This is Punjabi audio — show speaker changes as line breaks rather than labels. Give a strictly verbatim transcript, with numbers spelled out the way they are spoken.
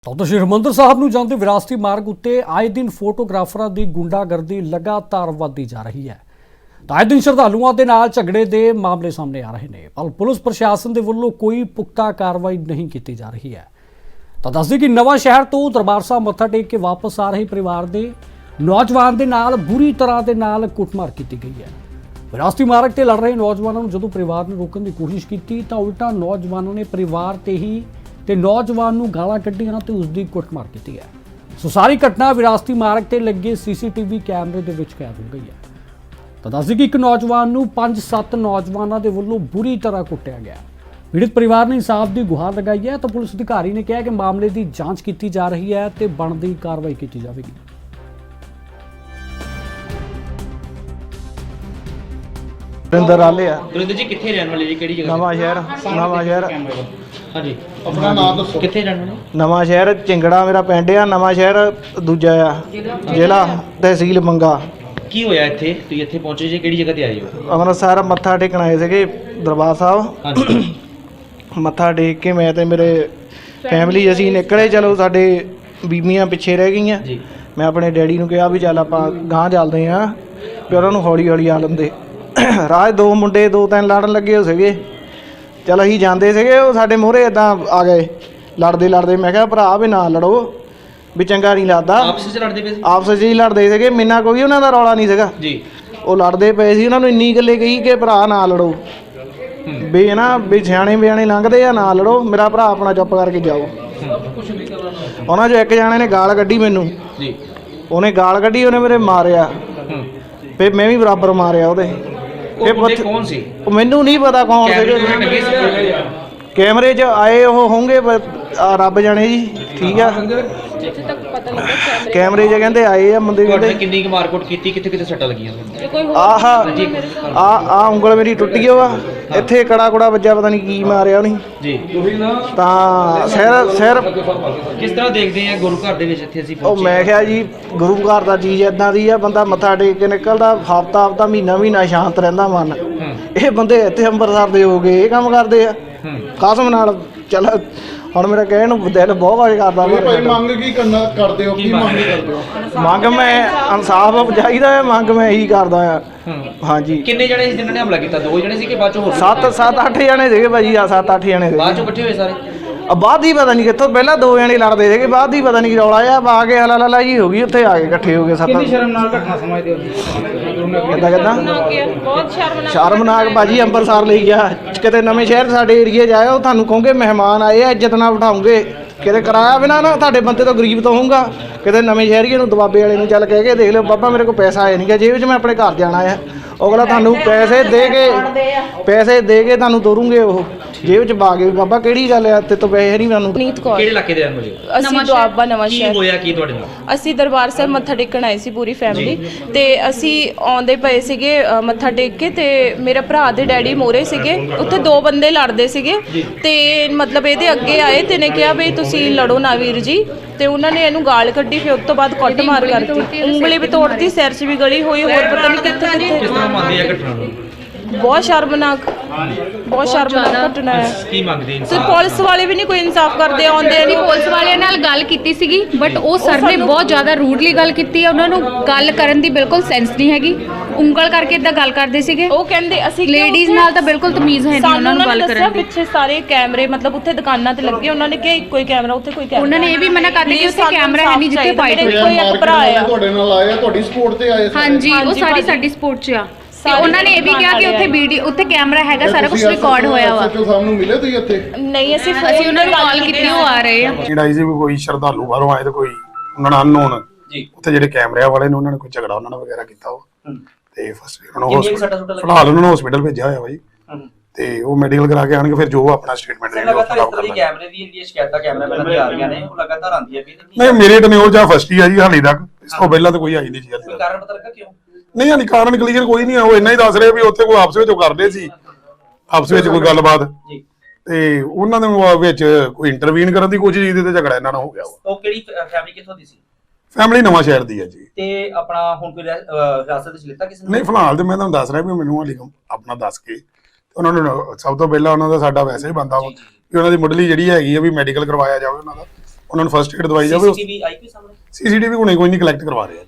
तो श्री हरिमंदर साहब ਨੂੰ ਜਾਂਦੇ ਵਿਰਾਸਤੀ ਮਾਰਗ ਉੱਤੇ ਆਏ ਦਿਨ ਫੋਟੋਗ੍ਰਾਫਰਾਂ ਦੀ ਗੁੰਡਾਗਰਦੀ ਲਗਾਤਾਰ ਵਧਦੀ ਜਾ ਰਹੀ ਹੈ। ਤਾਂ ਆਏ ਦਿਨ ਸ਼ਰਧਾਲੂਆਂ ਦੇ ਨਾਲ ਝਗੜੇ ਦੇ ਮਾਮਲੇ ਸਾਹਮਣੇ ਆ ਰਹੇ ਨੇ, ਪਰ ਪੁਲਿਸ ਪ੍ਰਸ਼ਾਸਨ ਦੇ ਵੱਲੋਂ ਕੋਈ ਪੁਖਤਾ ਕਾਰਵਾਈ ਨਹੀਂ ਕੀਤੀ ਜਾ ਰਹੀ ਹੈ। ਤਾਂ ਦੱਸਦੇ ਕਿ ਨਵਾਂ ਸ਼ਹਿਰ ਤੋਂ ਦਰਬਾਰ ਸਾਹਿਬ ਮੱਥਾ ਟੇਕ ਕੇ ਵਾਪਸ ਆ ਰਹੇ ਪਰਿਵਾਰ ਦੇ ਨੌਜਵਾਨ ਦੇ ਨਾਲ ਬੁਰੀ ਤਰ੍ਹਾਂ ਦੇ ਨਾਲ ਕੁੱਟਮਾਰ ਕੀਤੀ ਗਈ ਹੈ। ਵਿਰਾਸਤੀ ਮਾਰਗ ਤੇ ਲੜ ਰਹੇ ਨੌਜਵਾਨਾਂ ਨੂੰ ਜਦੋਂ ਪਰਿਵਾਰ ਨੇ ਰੋਕਣ ਦੀ ਕੋਸ਼ਿਸ਼ ਕੀਤੀ ਤਾਂ ਉਲਟਾ ਨੌਜਵਾਨਾਂ ਨੇ ਪਰਿਵਾਰ ਤੇ ਹੀ ਤੇ ਨੌਜਵਾਨ ਨੂੰ ਗਾਲਾਂ ਕੱਢੀਆਂ ਤੇ ਉਸ ਦੀ ਕੁੱਟਮਾਰ ਕੀਤੀ ਹੈ। ਸੋ ਸਾਰੀ ਘਟਨਾ ਵਿਰਾਸਤੀ ਮਾਰਗ ਤੇ ਲੱਗੇ ਸੀਸੀਟੀਵੀ ਕੈਮਰੇ ਦੇ ਵਿੱਚ ਕੈਦ ਹੋ ਗਈ ਹੈ। ਤਾਂ ਦੱਸਦੇ ਕਿ ਇੱਕ ਨੌਜਵਾਨ ਨੂੰ ਪੰਜ ਸੱਤ ਨੌਜਵਾਨਾਂ ਦੇ ਵੱਲੋਂ ਬੁਰੀ ਤਰ੍ਹਾਂ ਕੁੱਟਿਆ ਗਿਆ। ਪੀੜਤ ਪਰਿਵਾਰ ਨੇ ਇਨਸਾਫ ਦੀ ਗੁਹਾਰ ਲਗਾਈ ਹੈ ਤਾਂ ਪੁਲਿਸ ਅਧਿਕਾਰੀ ਨੇ ਕਿਹਾ ਕਿ ਮਾਮਲੇ ਦੀ ਜਾਂਚ ਕੀਤੀ ਜਾ ਰਹੀ ਹੈ ਤੇ ਬਣਦੀ ਕਾਰਵਾਈ ਕੀਤੀ ਜਾਵੇਗੀ।
ਰਿੰਦਰ ਆਲੇ ਆ
ਗੁਰਿੰਦਰ ਜੀ ਕਿੱਥੇ ਰਹਿਣ ਵਾਲੇ ਜੀ, ਕਿਹੜੀ ਜਗ੍ਹਾ?
ਨਵਾਂ ਸ਼ਹਿਰ ਨਵਾਂ ਸ਼ਹਿਰ
ਹਾਂਜੀ, ਆਪਣਾ ਨਾਮ ਦੱਸੋ, ਕਿੱਥੇ ਰਹਿਣ ਵਾਲੇ?
ਨਵਾਂ ਸ਼ਹਿਰ ਚਿੰਗੜਾ ਮੇਰਾ ਪਿੰਡ ਆ। ਨਵਾਂ ਸ਼ਹਿਰ ਦੂਜਾ ਆ ਜ਼ਿਲ੍ਹਾ ਤਹਿਸੀਲ ਮੰਗਾ।
ਕੀ ਹੋਇਆ ਇੱਥੇ? ਤੁਸੀਂ ਇੱਥੇ ਪਹੁੰਚੇ ਜੀ, ਕਿਹੜੀ ਜਗ੍ਹਾ ਤੇ ਆਏ ਹੋ?
ਅੰਮ੍ਰਿਤਸਰ ਮੱਥਾ ਟੇਕਣ ਆਏ ਸੀਗੇ ਦਰਬਾਰ ਸਾਹਿਬ।
ਹਾਂਜੀ,
ਮੱਥਾ ਟੇਕ ਕੇ ਮੈਂ ਤੇ ਮੇਰੇ ਫੈਮਿਲੀ ਅਸੀਂ ਨਿਕਲੇ। ਚਲੋ ਸਾਡੇ ਬੀਬੀਆਂ ਪਿੱਛੇ ਰਹਿ ਗਈਆਂ।
ਜੀ,
ਮੈਂ ਆਪਣੇ ਡੈਡੀ ਨੂੰ ਕਿਹਾ ਵੀ ਚੱਲ ਆਪਾਂ ਗਾਂਹ ਚੱਲਦੇ ਹਾਂ, ਵੀ ਉਹਨਾਂ ਨੂੰ ਹੌਲੀ ਹੌਲੀ ਆ ਲੰਦੇ। ਰਾਜ ਦੋ ਮੁੰਡੇ ਦੋ ਤਿੰਨ ਲੜਨ ਲੱਗੇ ਹੋ ਸੀਗੇ। ਚਲ ਅਸੀਂ ਜਾਂਦੇ ਸੀਗੇ, ਉਹ ਸਾਡੇ ਮੂਹਰੇ ਇੱਦਾਂ ਆ ਗਏ ਲੜਦੇ ਲੜਦੇ। ਮੈਂ ਕਿਹਾ ਭਰਾ ਵੀ ਨਾ ਲੜੋ, ਵੀ ਚੰਗਾ ਨਹੀਂ ਲੱਗਦਾ।
ਆਪਸ ਵਿੱਚ ਲੜਦੇ ਪਏ ਸੀ?
ਆਪਸ ਵਿੱਚ ਹੀ ਲੜਦੇ ਸੀਗੇ, ਮੈਨਾਂ ਕੋਈ ਉਹਨਾਂ ਦਾ ਰੌਲਾ ਨਹੀਂ ਸੀਗਾ
ਜੀ।
ਉਹ ਲੜਦੇ ਪਏ ਸੀ। ਉਹਨਾਂ ਨੂੰ ਇੰਨੀ ਗੱਲੇ ਕਹੀ ਕਿ ਭਰਾ ਨਾ ਲੜੋ, ਵੀ ਨਾ ਵੀ ਸਿਆਣੇ ਬਿਆਣੇ ਲੰਘਦੇ ਆ, ਨਾ ਲੜੋ, ਮੇਰਾ ਭਰਾ ਆਪਣਾ ਚੁੱਪ ਕਰਕੇ ਜਾਓ। ਉਹਨਾਂ 'ਚੋਂ ਇੱਕ ਜਾਣੇ ਨੇ ਗਾਲ ਕੱਢੀ ਮੈਨੂੰ।
ਜੀ,
ਉਹਨੇ ਗਾਲ ਕੱਢੀ, ਉਹਨੇ ਮੇਰੇ ਮਾਰਿਆ, ਫਿਰ ਮੈਂ ਵੀ ਬਰਾਬਰ ਮਾਰਿਆ ਉਹਦੇ।
ਉਹ ਬੰਦੇ ਕੌਣ ਸੀ?
ਉਹ ਮੈਨੂੰ ਨਹੀਂ ਪਤਾ ਕੌਣ ਸੀਗੇ। ਕੈਮਰੇ 'ਚ ਆਏ ਉਹ ਹੋਣਗੇ ਰੱਬ ਜਾਣੇ ਜੀ। ਠੀਕ ਆ, ਕੈਮਰੇ 'ਚ ਕਹਿੰਦੇ ਆਏ ਆ ਬੰਦੇ। ਕਹਿੰਦੇ
ਕਿੰਨੀ ਕੁ ਮਾਰਕੁੱਟ ਕੀਤੀ, ਕਿੱਥੇ ਕਿੱਥੇ ਸੱਟਾਂ ਲੱਗੀਆਂ?
ਆਹ ਆ ਆ ਉਂਗਲ ਮੇਰੀ ਟੁੱਟ ਗਈ ਵਾ, ਇੱਥੇ ਕੜਾ ਕੁੜਾ ਵੱਜਾ, ਪਤਾ ਨਹੀਂ ਕੀ ਮਾਰਿਆ ਉਹਨੇ
ਜੀ।
ਤਾਂ ਸਿਰ ਸਿਰ
ਕਿਸ ਤਰ੍ਹਾਂ ਦੇਖਦੇ ਆ ਗੁਰੂ ਘਰ ਦੇ ਵਿੱਚ ਇੱਥੇ ਅਸੀਂ
ਉਹ
ਪਹੁੰਚੇ?
ਮੈਂ ਕਿਹਾ ਜੀ ਗੁਰੂ ਘਰ ਦਾ ਚੀਜ਼ ਇਦਾਂ ਦੀ ਆ, ਬੰਦਾ ਮੱਥਾ ਟੇਕ ਕੇ ਨਿਕਲਦਾ ਹਫ਼ਤਾ ਹਫ਼ਤਾ ਮਹੀਨਾ ਮਹੀਨਾ ਸ਼ਾਂਤ ਰਹਿੰਦਾ ਮਨ। ਇਹ ਬੰਦੇ ਇੱਥੇ ਅੰਮ੍ਰਿਤਸਰ ਦੇ ਹੋ ਗਏ, ਇਹ ਕੰਮ ਕਰਦੇ ਆ ਕਸਮ ਨਾਲ। ਚੱਲ ਹੁਣ ਮੇਰਾ ਕਹਿਣ ਨੂੰ ਦਿਲ ਬਹੁਤ ਵਾਜ ਕਰਦਾ।
ਭਾਈ ਮੰਗ ਕੀ ਕਰਨਾ ਕਰਦੇ ਹੋ? ਕੀ ਮੰਗ ਕਰਦੇ ਹੋ?
ਮੰਗ ਮੈਂ ਇਨਸਾਫ ਚਾਹੀਦਾ ਹੈ, ਮੰਗ ਮੈਂ ਇਹੀ ਕਰਦਾ ਆ। ਹਾਂਜੀ।
ਕਿੰਨੇ ਜਣੇ ਸੀ ਜਿਨ੍ਹਾਂ ਨੇ ਹਮਲਾ ਕੀਤਾ? ਦੋ ਜਣੇ ਸੀ ਕਿ ਬਾਅਦ ਚੋਂ ਹੋਰ?
ਸੱਤ ਸੱਤ ਅੱਠ ਜਣੇ ਸੀਗੇ ਭਾਜੀ। ਆ ਸੱਤ ਅੱਠ ਜਣੇ
ਬਾਅਦ ਚੋਂ
ਸੀਗੇ।
ਇਕੱਠੇ ਹੋਏ ਸਾਰੇ?
ਆ ਬਾਅਦ ਹੀ ਪਤਾ ਨਹੀਂ ਕਿੱਥੋਂ, ਪਹਿਲਾਂ ਦੋ ਜਣੇ ਲੜਦੇ ਸੀਗੇ, ਬਾਅਦ ਹੀ ਪਤਾ ਨਹੀਂ ਰੌਲਾ ਆ ਆ ਕੇ ਹਲਾ ਲਾ ਜੀ ਹੋ ਗਈ, ਉੱਥੇ ਆ ਕੇ ਇਕੱਠੇ ਹੋ ਗਏ ਸੱਤ।
ਕਿੰਨੀ ਸ਼ਰਮਨਾਕ ਘਟਨਾ ਸਮਝਦੇ ਹੋ?
ਕਿੱਦਾਂ ਕਿੱਦਾਂ
ਬਹੁਤ ਸ਼ਰਮਨਾਕ
ਸ਼ਰਮਨਾਕ ਭਾਜੀ। ਅੰਮ੍ਰਿਤਸਰ ਲਈ ਗਿਆ, ਕਿਤੇ ਨਵੇਂ ਸ਼ਹਿਰ ਸਾਡੇ ਏਰੀਏ 'ਚ ਆਇਓ, ਤੁਹਾਨੂੰ ਕਹੋਗੇ ਮਹਿਮਾਨ ਆਏ ਆ, ਇੱਜ਼ਤ ਨਾਲ ਬਿਠਾਉਂਗੇ। ਕਿਤੇ ਕਿਰਾਇਆ ਬਿਨਾ ਨਾ ਤੁਹਾਡੇ ਬੰਦੇ ਤੋਂ ਗਰੀਬ ਤੋਂ ਹੋਊਗਾ। ਕਿਤੇ ਨਵੇਂ ਸ਼ਹਿਰੀਏ ਨੂੰ ਦਬਾਬੇ ਵਾਲੇ ਨੂੰ ਚੱਲ ਕਹਿ ਕੇ ਦੇਖ ਲਿਓ, ਬਾਬਾ ਮੇਰੇ ਕੋਲ ਪੈਸਾ ਆਇਆ ਨਹੀਂ ਗਾ ਜੇਬ 'ਚ, ਮੈਂ ਆਪਣੇ ਘਰ ਜਾਣਾ ਆ। ਅਗਲਾ ਤੁਹਾਨੂੰ ਪੈਸੇ ਦੇ ਕੇ ਪੈਸੇ ਦੇ ਕੇ ਤੁਹਾਨੂੰ ਤੋਰੂਗੇ, ਉਹ ਜੇਬ 'ਚ ਪਾ ਕੇ। ਬਾਬਾ ਕਿਹੜੀ ਗੱਲ ਆ, ਤੇ ਤੋਂ ਪੈਸੇ ਨਹੀਂ ਮੈਨੂੰ।
ਨੀਤ ਕੌਰ।
ਕਿਹੜੇ ਇਲਾਕੇ ਦੇ ਰਹਿਣ ਵਾਲੇ ਹੋ?
ਅਸੀਂ ਦੁਆਬਾ ਨਵਾਂ
ਕੀ
ਸ਼ਹਿਰ।
ਹੋਇਆ ਕੀ ਤੁਹਾਡੇ ਨਾਲ?
ਅਸੀਂ ਦਰਬਾਰ ਸਾਹਿਬ ਮੱਥਾ ਟੇਕਣ ਆਏ ਸੀ ਪੂਰੀ ਫੈਮਿਲੀ, ਤੇ ਅਸੀਂ ਆਉਂਦੇ ਪਏ ਸੀਗੇ ਅ, ਮੱਥਾ ਟੇਕ ਕੇ, ਤੇ ਮੇਰੇ ਭਰਾ ਦੇ ਡੈਡੀ ਮੋਰੇ ਸੀਗੇ। ਉੱਥੇ ਦੋ ਬੰਦੇ ਲੜਦੇ ਸੀਗੇ, ਤੇ ਮਤਲਬ ਇਹਦੇ ਅੱਗੇ ਆਏ ਤੇ ਨੇ ਕਿਹਾ ਵੀ ਤੁਸੀਂ ਲੜੋ ਨਾ ਵੀਰ ਜੀ, ਤੇ ਉਹਨਾਂ ਨੇ ਇਹਨੂੰ ਗਾਲ ਕੱਢੀ। ਫਿਰ ਉਸ ਤੋਂ ਬਾਅਦ ਕੁੱਟ ਮਾਰ ਕਰਤੀ, ਉਂਗਲੀ ਵੀ ਤੋੜਤੀ, ਸਿਰ 'ਚ ਵੀ ਗਲੀ ਹੋਈ, ਹੋਰ ਪਤਾ ਨਹੀਂ ਕਿੱਥੇ
ਕਿਸ
ਕਿੱਥੇ।
ਤਰ੍ਹਾਂ ਮੰਨਦੇ ਆ ਘਟਨਾ ਨੂੰ?
ਬਹੁਤ ਸ਼ਰਮਨਾਕ ਬਹੁਤ ਸ਼ਰਮਨਾਕ ਘਟਨਾ ਹੈ।
ਕੀ ਮੰਗਦੇ
ਤੇ
ਇਨਸਾਨ?
ਪੁਲਿਸ ਵਾਲੇ ਵੀ ਨਹੀਂ ਕੋਈ ਇਨਸਾਫ ਕਰਦੇ, ਆਉਂਦੇ
ਨਹੀਂ।
ਨਹੀਂ।
ਪੁਲਿਸ ਵਾਲਿਆਂ ਨਾਲ ਗੱਲ ਕੀਤੀ ਸੀਗੀ, ਬਟ ਉਹ ਸਰ ਨੇ ਬਹੁਤ ਜ਼ਿਆਦਾ ਰੂਡਲੀ ਗੱਲ ਕੀਤੀ ਹੈ। ਉਹਨਾਂ ਨੂੰ ਗੱਲ ਕਰਨ ਦੀ ਬਿਲਕੁਲ ਸੈਂਸ ਨਹੀਂ ਹੈਗੀ, ਉਂਗਲ ਕਰਕੇ ਇਦਾਂ ਗੱਲ ਕਰਦੇ ਸੀਗੇ।
ਉਹ ਕਹਿੰਦੇ ਅਸੀਂ
ਲੇਡੀਜ਼ ਨਾਲ ਤਾਂ ਬਿਲਕੁਲ ਤਮੀਜ਼ ਹੈ ਨਹੀਂ ਉਹਨਾਂ ਨੂੰ ਗੱਲ ਕਰਨ ਦੀ।
ਪਿੱਛੇ ਸਾਰੇ ਕੈਮਰੇ ਮਤਲਬ ਉੱਥੇ ਦੁਕਾਨਾਂ ਤੇ ਲੱਗੇ, ਉਹਨਾਂ ਨੇ ਕਿਹਾ ਇੱਕੋ ਹੀ ਕੈਮਰਾ, ਉੱਥੇ ਕੋਈ ਕੈਮਰਾ।
ਉਹਨਾਂ ਨੇ ਇਹ ਵੀ ਮਨਾ ਕਰ ਦਿੱਤਾ ਕਿ ਉੱਥੇ ਕੈਮਰਾ ਹੈ ਨਹੀਂ ਜਿੱਥੇ ਫਾਈਟ ਹੋਈ।
ਕੋਈ ਇੱਕ ਭਰਾ ਆ
ਤੁਹਾਡੇ ਨਾਲ ਆਏ ਆ, ਤੁਹਾਡੀ ਸਪੋਰਟ ਤੇ ਆਏ ਸਾਰੇ?
ਹਾਂਜੀ, ਉਹ ਸਾਰੀ ਸਾਡੀ ਸਪੋਰਟ 'ਚ ਆ। ਤੇ ਉਹਨਾਂ ਨੇ ਇਹ ਵੀ ਕਿਹਾ ਕਿ ਉੱਥੇ ਵੀਡੀਓ, ਉੱਥੇ ਕੈਮਰਾ ਹੈਗਾ, ਸਾਰਾ ਕੁਝ ਰਿਕਾਰਡ ਹੋਇਆ ਵਾ।
ਐਸਐਚਓ ਸਾਹਿਬ ਨੂੰ ਮਿਲੇ ਤੁਸੀਂ ਇੱਥੇ?
ਨਹੀਂ, ਅਸੀਂ
ਅਸੀਂ ਉਹਨਾਂ ਨੂੰ ਕਾਲ ਕੀਤੀ, ਉਹ ਆ ਰਹੇ ਆ।
ਜਿਹੜਾ ਸੀ ਕੋਈ ਸ਼ਰਧਾਲੂ ਬਾਹਰੋਂ ਆਏ ਤੇ ਕੋਈ ਉਹਨਾਂ ਨਾਲ ਅਨਨੋਨ
ਜੀ,
ਉੱਥੇ ਜਿਹੜੇ ਕੈਮਰਿਆਂ ਵਾਲੇ ਨੇ ਉਹਨਾਂ ਨੇ ਕੋਈ ਝਗੜਾ ਉਹਨਾਂ ਨਾਲ ਵਗੈਰਾ ਕੀਤਾ ਉਹ ਤੇ ਫਸਟ ਉਹਨਾਂ ਨੂੰ
ਕਿੰਨੀਆਂ ਸੱਟਾਂ
ਹਸਪੀਟਲ
ਸੁੱਟਾਂ
ਫਿਲਹਾਲ ਉਹਨਾਂ ਨੂੰ ਹਸਪੀਟਲ ਭੇਜਿਆ ਹੋਇਆ ਬਾਈ, ਤੇ ਉਹ ਮੈਡੀਕਲ ਕਰਾ ਕੇ ਆਣਗੇ, ਫਿਰ ਜੋ ਆਪਣਾ ਸਟੇਟਮੈਂਟ ਦੇਣਗੇ ਉਹ
ਲਗਾਤਾਰ
ਖਰਾਬ
ਇਸ ਤਰ੍ਹਾਂ ਦੀ
ਕਰਨਾ।
ਕੈਮਰੇ ਦੀ ਇੰਡੀਆ ਸ਼ਿਕਾਇਤਾਂ ਕੈਮਰਾਮੈਨਾਂ ਦੀ ਆ ਰਹੀਆਂ ਨੇ, ਉਹ ਲਗਾਤਾਰ ਆਉਂਦੀਆਂ ਵੀ
ਨਹੀਂ, ਮੇਰੇ ਟਨਿਓਰ ਜਾਂ ਫਸਟ ਹੀ ਆ ਜੀ ਹਾਲੇ ਤੱਕ, ਇਸ ਤੋਂ ਪਹਿਲਾਂ ਤਾਂ ਕੋਈ ਆਈ ਨਹੀਂ ਜੀ ਹਾਲੇ
ਕੋਈ
ਤੱਕ।
ਕਾਰਨ ਪਤਾ ਲੱਗਾ ਕਿਉਂ?
ਨਹੀਂ ਹਾਲੇ ਕਾਰਨ ਕਲੀਅਰ ਕੋਈ ਨਹੀਂ ਆ, ਉਹ ਇੰਨਾ ਹੀ ਦੱਸ ਰਹੇ ਵੀ ਉੱਥੇ ਕੋਈ ਆਪਸ ਵਿੱਚ ਉਹ ਕਰਦੇ ਸੀ, ਆਪਸ ਵਿੱਚ ਕੋਈ ਗੱਲਬਾਤ,
ਜੀ,
ਤੇ ਉਹਨਾਂ ਦੇ ਵਿੱਚ ਕੋਈ ਇੰਟਰਵੀਨ ਕਰਨ ਦੀ ਕੋਸ਼ਿਸ਼ ਕੀਤੀ ਤੇ ਝਗੜਾ ਇਹਨਾਂ ਨਾਲ ਹੋ ਗਿਆ।
ਉਹ ਕਿਹੜੀ ਫੈਮਿਲੀ ਕਿੱਥੋਂ ਦੀ ਸੀ?
ਫੈਮਿਲੀ ਨਵਾਂ ਸ਼ਹਿਰ ਦੀ ਹੈ ਜੀ।
ਤੇ ਆਪਣਾ ਹੁਣ ਕੋਈ ਹਿਰਾਸਤ ਵਿੱਚ ਲਿੱਤਾ ਕਿਸੇ ਨੇ?
ਨਹੀਂ, ਫਿਲਹਾਲ ਤੇ ਮੈਂ ਤੁਹਾਨੂੰ ਦੱਸ ਰਿਹਾ ਵੀ ਮੈਨੂੰ ਹਾਲੇ ਆਪਣਾ ਦੱਸ ਕੇ ਉਹਨਾਂ ਨੂੰ ਸਭ ਤੋਂ ਪਹਿਲਾਂ ਉਹਨਾਂ ਦਾ ਸਾਡਾ ਵੈਸੇ ਹੀ ਬੰਦਾ ਵਾ ਵੀ ਉਹਨਾਂ ਦੀ ਮੁੱਢਲੀ ਜਿਹੜੀ ਹੈਗੀ ਆ ਵੀ ਮੈਡੀਕਲ ਕਰਵਾਇਆ ਜਾਵੇ ਉਹਨਾਂ ਦਾ, ਉਹਨਾਂ ਨੂੰ ਫਸਟ ਏਡ ਦਵਾਈ ਜਾਵੇ।
ਸੀਸੀਟੀਵੀ ਆਈ ਕੋਈ ਸਾਹਮਣੇ?
ਸੀਸੀਟੀਵੀ ਹੁਣੇ ਕੋਈ ਨਹੀਂ ਕਲੈਕਟ ਕਰਵਾ ਰਹੇ ਆ।